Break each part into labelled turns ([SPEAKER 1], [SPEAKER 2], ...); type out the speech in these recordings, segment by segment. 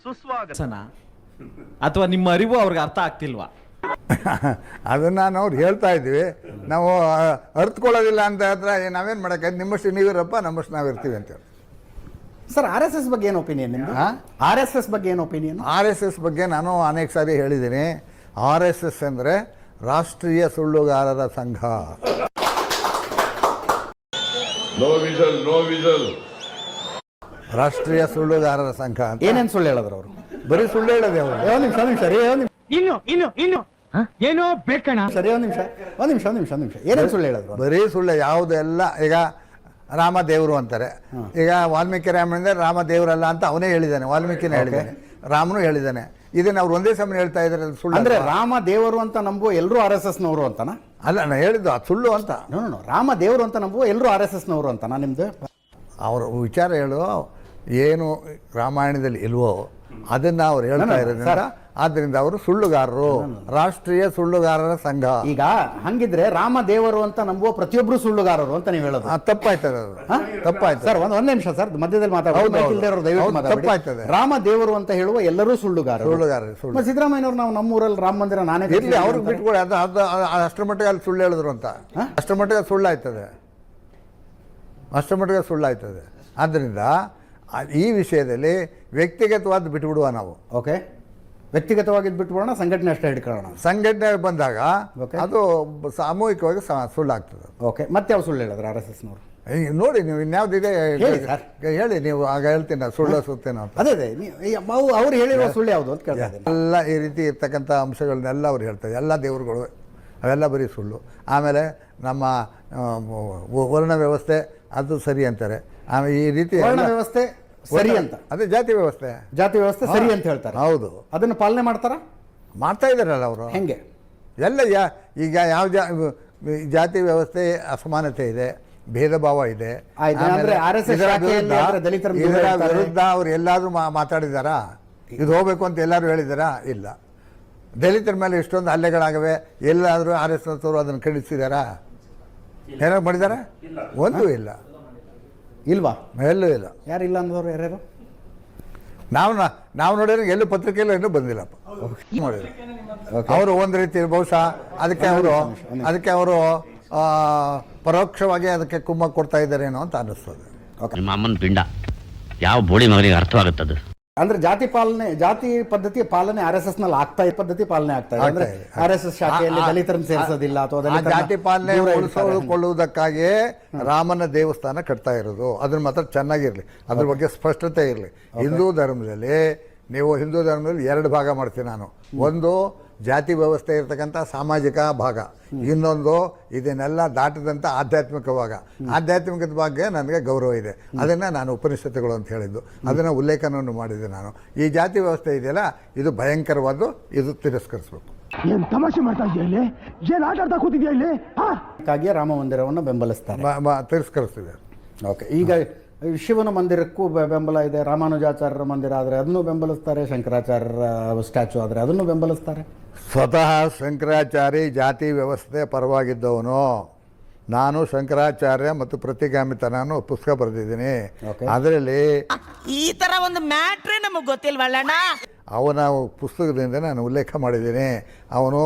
[SPEAKER 1] ಸುಸ್ವಾಗತ ಅಥವಾ ನಿಮ್ಮ ಅರಿವು ಅವ್ರಿಗೆ ಅರ್ಥ ಆಗ್ತಿಲ್ವಾ?
[SPEAKER 2] ಅದನ್ನು ನಾವು ಹೇಳ್ತಾ ಇದ್ವಿ. ನಾವು ಅರ್ಥಕೊಳ್ಳೋದಿಲ್ಲ ಅಂತ ಹತ್ರ ನಾವೇನು ಮಾಡೋಕ್ಕೆ, ನಿಮ್ಮಷ್ಟು ನೀವಿರಪ್ಪ, ನಮ್ಮಷ್ಟು ನಾವಿರ್ತೀವಿ ಅಂತೇಳಿ.
[SPEAKER 3] ಸರ್, RSS ಬಗ್ಗೆ ಏನು ಒಪಿನಿಯನ್ ನಿಮ್ಮದು? RSS ಬಗ್ಗೆ ಏನು ಒಪಿನಿಯನ್?
[SPEAKER 2] RSS ಬಗ್ಗೆ ನಾನು ಅನೇಕ ಸಾರಿ ಹೇಳಿದ್ದೀನಿ. RSS ಅಂದರೆ ರಾಷ್ಟ್ರೀಯ ಸುಳ್ಳುಗಾರರ ಸಂಘ. ರಾಷ್ಟ್ರೀಯ ಸುಳ್ಳುಗಾರರ ಸಂಘ ಅಂತ.
[SPEAKER 3] ಏನೇನು ಸುಳ್ಳು ಹೇಳಿದ್ರು ಅವರು?
[SPEAKER 2] ಬರೀ ಸುಳ್ಳು ಹೇಳೋದೆ ಅವರು.
[SPEAKER 3] ಒಂದು ನಿಮಿಷ
[SPEAKER 4] ಏನೋ ಬೇಕಣ.
[SPEAKER 3] ಸರಿ, ಒಂದು ನಿಮಿಷ. ಏನೇನು ಸುಳ್ಳು ಹೇಳಿದ್ರು?
[SPEAKER 2] ಬರೀ ಸುಳ್ಳು ಯಾವುದೆಲ್ಲ. ಈಗ ರಾಮ ದೇವರು ಅಂತಾರೆ. ಈಗ ವಾಲ್ಮೀಕಿ ರಾಮಾಯಣದಲ್ಲಿ ರಾಮ ದೇವರಲ್ಲ ಅಂತ ಅವನೇ ಹೇಳಿದ್ದಾನೆ, ವಾಲ್ಮೀಕಿನೇ ಹೇಳಿದ್ದಾನೆ, ರಾಮನು ಹೇಳಿದ್ದಾನೆ. ಇದನ್ನ ಅವ್ರು ಒಂದೇ ಸಮಯ ಹೇಳ್ತಾ ಇದ್ದಾರೆ. ಸುಳ್ಳು
[SPEAKER 3] ಅಂದ್ರೆ ರಾಮ ದೇವರು ಅಂತ ನಂಬುವ ಎಲ್ಲರೂ RSS ನವರು ಅಂತನಾ?
[SPEAKER 2] ಅಲ್ಲ, ನಾನು ಹೇಳಿದ್ದು ಅದು ಸುಳ್ಳು ಅಂತ.
[SPEAKER 3] ರಾಮ ದೇವರು ಅಂತ ನಂಬುವ ಎಲ್ಲರೂ RSS ನವರು ಅಂತನಾ ನಿಮ್ದು?
[SPEAKER 2] ಅವ್ರ ವಿಚಾರ ಹೇಳು, ಏನು ರಾಮಾಯಣದಲ್ಲಿ ಇಲ್ವೋ ಅದನ್ನ ಅವ್ರು ಹೇಳ್ತಾ ಇರೋದ್ರಿಂದ, ಆದ್ದರಿಂದ ಅವರು ಸುಳ್ಳುಗಾರರು, ರಾಷ್ಟ್ರೀಯ ಸುಳ್ಳುಗಾರರ ಸಂಘ.
[SPEAKER 3] ಈಗ ಹಂಗಿದ್ರೆ ರಾಮ ದೇವರು ಅಂತ ನಂಬುವ ಪ್ರತಿಯೊಬ್ಬರು ಸುಳ್ಳುಗಾರರು ಅಂತ ನೀವು ಹೇಳೋದು
[SPEAKER 2] ತಪ್ಪಾಯ್ತದೆ. ಅದು ತಪ್ಪಾಯ್ತು
[SPEAKER 3] ಸರ್. ಒಂದ್ ನಿಮಿಷ ಸರ್, ಮಧ್ಯದಲ್ಲಿ
[SPEAKER 2] ತಪ್ಪಾಯ್ತದೆ.
[SPEAKER 3] ರಾಮ ದೇವರು ಅಂತ ಹೇಳುವ ಎಲ್ಲರೂ ಸುಳ್ಳುಗಾರರು. ಸಿದ್ದರಾಮಯ್ಯನವರು ನಾವು ನಮ್ಮೂರಲ್ಲಿ ರಾಮ ಮಂದಿರ ನಾನೇ
[SPEAKER 2] ಇರ್ಲಿ, ಅವ್ರಿಗೆ ಬಿಟ್ಕೊಡಿ. ಅದು ಅಷ್ಟರ ಮಟ್ಟಿಗೆ ಅಲ್ಲಿ ಸುಳ್ಳು ಹೇಳಿದ್ರು ಅಂತ, ಅಷ್ಟರ ಮಟ್ಟಿಗೆ ಸುಳ್ಳಾಯ್ತದೆ, ಅಷ್ಟರ ಮಟ್ಟಿಗೆ ಸುಳ್ಳಾಯ್ತದೆ. ಆದ್ದರಿಂದ ಈ ವಿಷಯದಲ್ಲಿ ವ್ಯಕ್ತಿಗತವಾದ ಬಿಟ್ಬಿಡುವ ನಾವು.
[SPEAKER 3] ಓಕೆ, ವ್ಯಕ್ತಿಗತವಾಗಿ ಬಿಟ್ಬಿಡೋಣ, ಸಂಘಟನೆ ಅಷ್ಟೇ ಹಿಡ್ಕೊಳ್ಳೋಣ.
[SPEAKER 2] ಸಂಘಟನೆ ಬಂದಾಗ ಅದು ಸಾಮೂಹಿಕವಾಗಿ ಸುಳ್ಳಾಗ್ತದೆ.
[SPEAKER 3] ಓಕೆ, ಮತ್ತೆ ಯಾವ ಸುಳ್ಳು ಹೇಳಿದ್ರು RSS ನವರು?
[SPEAKER 2] ನೋಡಿ, ನೀವು ಇನ್ಯಾವುದಿದೆ ಹೇಳಿ, ನೀವು ಆಗ ಹೇಳ್ತೀನಿ ಸುಳ್ಳು ಸುತ್ತೇನೋ ಅಂತ.
[SPEAKER 3] ಅದೇ ಅವ್ರು ಹೇಳಿರುವ ಸುಳ್ಳು ಯಾವುದು ಅಂತ ಕೇಳ್ತಾ ಇದ್ದೀನಿ.
[SPEAKER 2] ಎಲ್ಲ ಈ ರೀತಿ ಇರ್ತಕ್ಕಂಥ ಅಂಶಗಳನ್ನೆಲ್ಲ ಅವ್ರು ಹೇಳ್ತಾರೆ. ಎಲ್ಲ ದೇವರುಗಳು ಅವೆಲ್ಲ ಬರೀ ಸುಳ್ಳು. ಆಮೇಲೆ ನಮ್ಮ ವರ್ಣ ವ್ಯವಸ್ಥೆ ಅದು ಸರಿ ಅಂತಾರೆ. ಆಮೇಲೆ ಈ ರೀತಿ
[SPEAKER 3] ವರ್ಣ ವ್ಯವಸ್ಥೆ ಸರಿ ಅಂತ,
[SPEAKER 2] ಅದೇ ಜಾತಿ ವ್ಯವಸ್ಥೆ
[SPEAKER 3] ಸರಿ ಅಂತ ಹೇಳ್ತಾರೆ.
[SPEAKER 2] ಹೌದು, ಅದನ್ನು
[SPEAKER 3] ಪಾಲನೆ ಮಾಡ್ತಾ
[SPEAKER 2] ಇದಾರಲ್ಲ ಅವರು.
[SPEAKER 3] ಹೆಂಗೆ
[SPEAKER 2] ಎಲ್ಲ ಈಗ ಯಾವ ಜಾತಿ ವ್ಯವಸ್ಥೆ ಅಸಮಾನತೆ ಇದೆ, ಭೇದ ಭಾವ ಇದೆ. ಇದರ ವಿರುದ್ಧ ಅವ್ರು ಎಲ್ಲಾದ್ರೂ ಮಾತಾಡಿದಾರಾ? ಇದು ಹೋಗ್ಬೇಕು ಅಂತ ಎಲ್ಲರೂ ಹೇಳಿದಾರಾ? ಇಲ್ಲ. ದಲಿತರ ಮೇಲೆ ಇಷ್ಟೊಂದು ಹಲ್ಲೆಗಳಾಗವೆ, ಎಲ್ಲಾದರೂ RSS ಅವರು ಅದನ್ನು ಖಂಡಿಸಿದಾರಾ? ಏನಾರು ಮಾಡಿದಾರ? ಒಂದೂ ಇಲ್ಲ.
[SPEAKER 3] ಇಲ್ವಾ?
[SPEAKER 2] ಎಲ್ಲೂ ಇಲ್ಲ.
[SPEAKER 3] ಯಾರಿಲ್ಲ ಅಂದವರು ಯಾರ್ಯಾರು?
[SPEAKER 2] ನಾವು ನೋಡಿದ್ರೆ ಎಲ್ಲೂ ಪತ್ರಿಕೆಯಲ್ಲೂ ಇನ್ನೂ ಬಂದಿಲ್ಲಪ್ಪ. ಅವರು ಒಂದು ರೀತಿ ಬಹುಶಃ ಅದಕ್ಕೆ ಅವರು ಪರೋಕ್ಷವಾಗಿ ಅದಕ್ಕೆ ಕುಮ್ಮಕ್ಕು ಕೊಡ್ತಾ ಇದ್ದಾರೇನೋ ಅಂತ ಅನ್ನಿಸ್ತದೆ.
[SPEAKER 5] ಅಮ್ಮನ ಪಿಂಡ ಯಾವ ಬೋಳಿ ಮಗನಿಗೆ ಅರ್ಥವಾಗುತ್ತದೆ.
[SPEAKER 3] ಅಂದ್ರೆ ಜಾತಿ ಪದ್ಧತಿ ಪಾಲನೆ RSS ನಲ್ಲಿ ಪದ್ಧತಿ ಪಾಲನೆ ಆಗ್ತಾ ಇದೆ. ಅಂದ್ರೆ RSS ಶಾಖೆಯಲ್ಲಿ ದಲಿತರನ್ನು ಸೇರಿಸೋದಿಲ್ಲ ಅಥವಾ
[SPEAKER 2] ಜಾತಿ ಪಾಲನೆ ಉಳಿಸಿಕೊಳ್ಳುವುದಕ್ಕಾಗಿಯೇ ರಾಮನ ದೇವಸ್ಥಾನ ಕಟ್ತಾ ಇರೋದು. ಅದನ್ನ ಮಾತ್ರ ಚೆನ್ನಾಗಿರ್ಲಿ, ಅದ್ರ ಬಗ್ಗೆ ಸ್ಪಷ್ಟತೆ ಇರಲಿ. ಹಿಂದೂ ಧರ್ಮದಲ್ಲಿ ಎರಡು ಭಾಗ ಮಾಡ್ತೀನಿ ನಾನು. ಒಂದು ಜಾತಿ ವ್ಯವಸ್ಥೆ ಇರತಕ್ಕಂಥ ಸಾಮಾಜಿಕ ಭಾಗ, ಇನ್ನೊಂದು ಇದನ್ನೆಲ್ಲ ದಾಟದಂಥ ಆಧ್ಯಾತ್ಮಿಕದ ಬಗ್ಗೆ ನನಗೆ ಗೌರವ ಇದೆ. ಅದನ್ನು ನಾನು ಉಪನಿಷತ್ತುಗಳು ಅಂತ ಹೇಳಿದ್ದು, ಅದನ್ನು ಉಲ್ಲೇಖನವನ್ನು ಮಾಡಿದ್ದೆ ನಾನು. ಈ ಜಾತಿ ವ್ಯವಸ್ಥೆ ಇದೆಯಲ್ಲ, ಇದು ಭಯಂಕರವಾದ್ದು, ಇದು ತಿರಸ್ಕರಿಸಬೇಕು.
[SPEAKER 4] ಏನು ತಮಾಷೆ ಮಾಡ್ತಾ ಇದೆಯಾ ಇಲ್ಲಿ? ಏನು ಆಟ ಆಡ್ತಾ ಕೂತಿದ್ಯಾ ಇಲ್ಲಿ?
[SPEAKER 3] ಹಾಗಾಗಿ ರಾಮ ಮಂದಿರವನ್ನು ಬೆಂಬಲಿಸ್ತಾರೆ,
[SPEAKER 2] ತಿರಸ್ಕರಿಸ್ತಿದೆ.
[SPEAKER 3] ಓಕೆ, ಈಗ ಶಿವನ ಮಂದಿರಕ್ಕೂ ಬೆಂಬಲ ಇದೆ. ರಾಮಾನುಜಾಚಾರ್ಯರ ಮಂದಿರ ಆದರೆ ಅದನ್ನು ಬೆಂಬಲಿಸ್ತಾರೆ, ಶಂಕರಾಚಾರ್ಯರ ಸ್ಟ್ಯಾಚು ಆದರೆ ಅದನ್ನು ಬೆಂಬಲಿಸ್ತಾರೆ.
[SPEAKER 2] ಸ್ವತಃ ಶಂಕರಾಚಾರ್ಯ ಜಾತಿ ವ್ಯವಸ್ಥೆ ಪರವಾಗಿದ್ದವನು ನಾನು. ಶಂಕರಾಚಾರ್ಯ ಮತ್ತು ಪ್ರತಿಗಾಮಿತನ ಪುಸ್ತಕ ಬರೆದಿದ್ದೀನಿ. ಅದರಲ್ಲಿ
[SPEAKER 6] ಈ ತರ ಒಂದು ಮ್ಯಾಟ್ರೇ ನಮಗೆ ಗೊತ್ತಿಲ್ವಲ್ಲಣ್ಣ.
[SPEAKER 2] ಅವನ ಪುಸ್ತಕದಿಂದ ನಾನು ಉಲ್ಲೇಖ ಮಾಡಿದ್ದೀನಿ. ಅವನು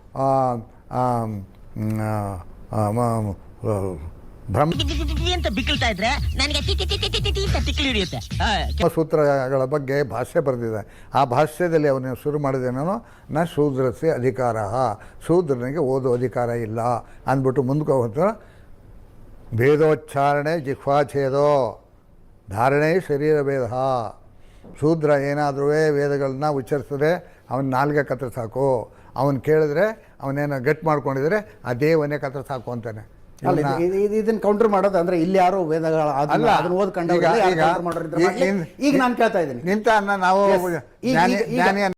[SPEAKER 2] ಸೂತ್ರಗಳ ಬಗ್ಗೆ ಭಾಷ್ಯ ಬರೆದಿದೆ. ಆ ಭಾಷ್ಯದಲ್ಲಿ ಅವನು ಶುರು ಮಾಡಿದೇನೋ, ನ ಶೂದ್ರಸ್ಯ ಅಧಿಕಾರ, ಶೂದ್ರನಿಗೆ ಓದೋ ಅಧಿಕಾರ ಇಲ್ಲ ಅಂದ್ಬಿಟ್ಟು ಮುಂದಕ್ಕೆ ಹೋಗ್ತಾರೆ. ಭೇದೋಚ್ಚಾರಣೆ ಜಿಹ್ವಾಛೇದೋ ಧಾರಣೆ ಶರೀರ ಭೇದ. ಶೂದ್ರ ಏನಾದರೂ ವೇದಗಳನ್ನ ಉಚ್ಚರಿಸಿದ್ರೆ ಅವನ ನಾಲ್ಗೆ ಕತ್ರ ಸಾಕು. ಅವನು ಕೇಳಿದ್ರೆ ಅವನೇನೋ ಗಟ್ ಮಾಡ್ಕೊಂಡಿದ್ರೆ ಅದೇ ಒನೆ ಕತ್ರ ಸಾಕು ಅಂತಾನೆ.
[SPEAKER 3] ಇದನ್ನ ಕೌಂಟರ್ ಮಾಡೋದು ಅಂದ್ರೆ ಇಲ್ಲಿ ಯಾರು ವೇದಗಳ ಓದ್ಕೊಂಡ ಈಗ ನಾನು ಕೇಳ್ತಾ ಇದ್ದೀನಿ.
[SPEAKER 2] ನಿಂತ ನಾವು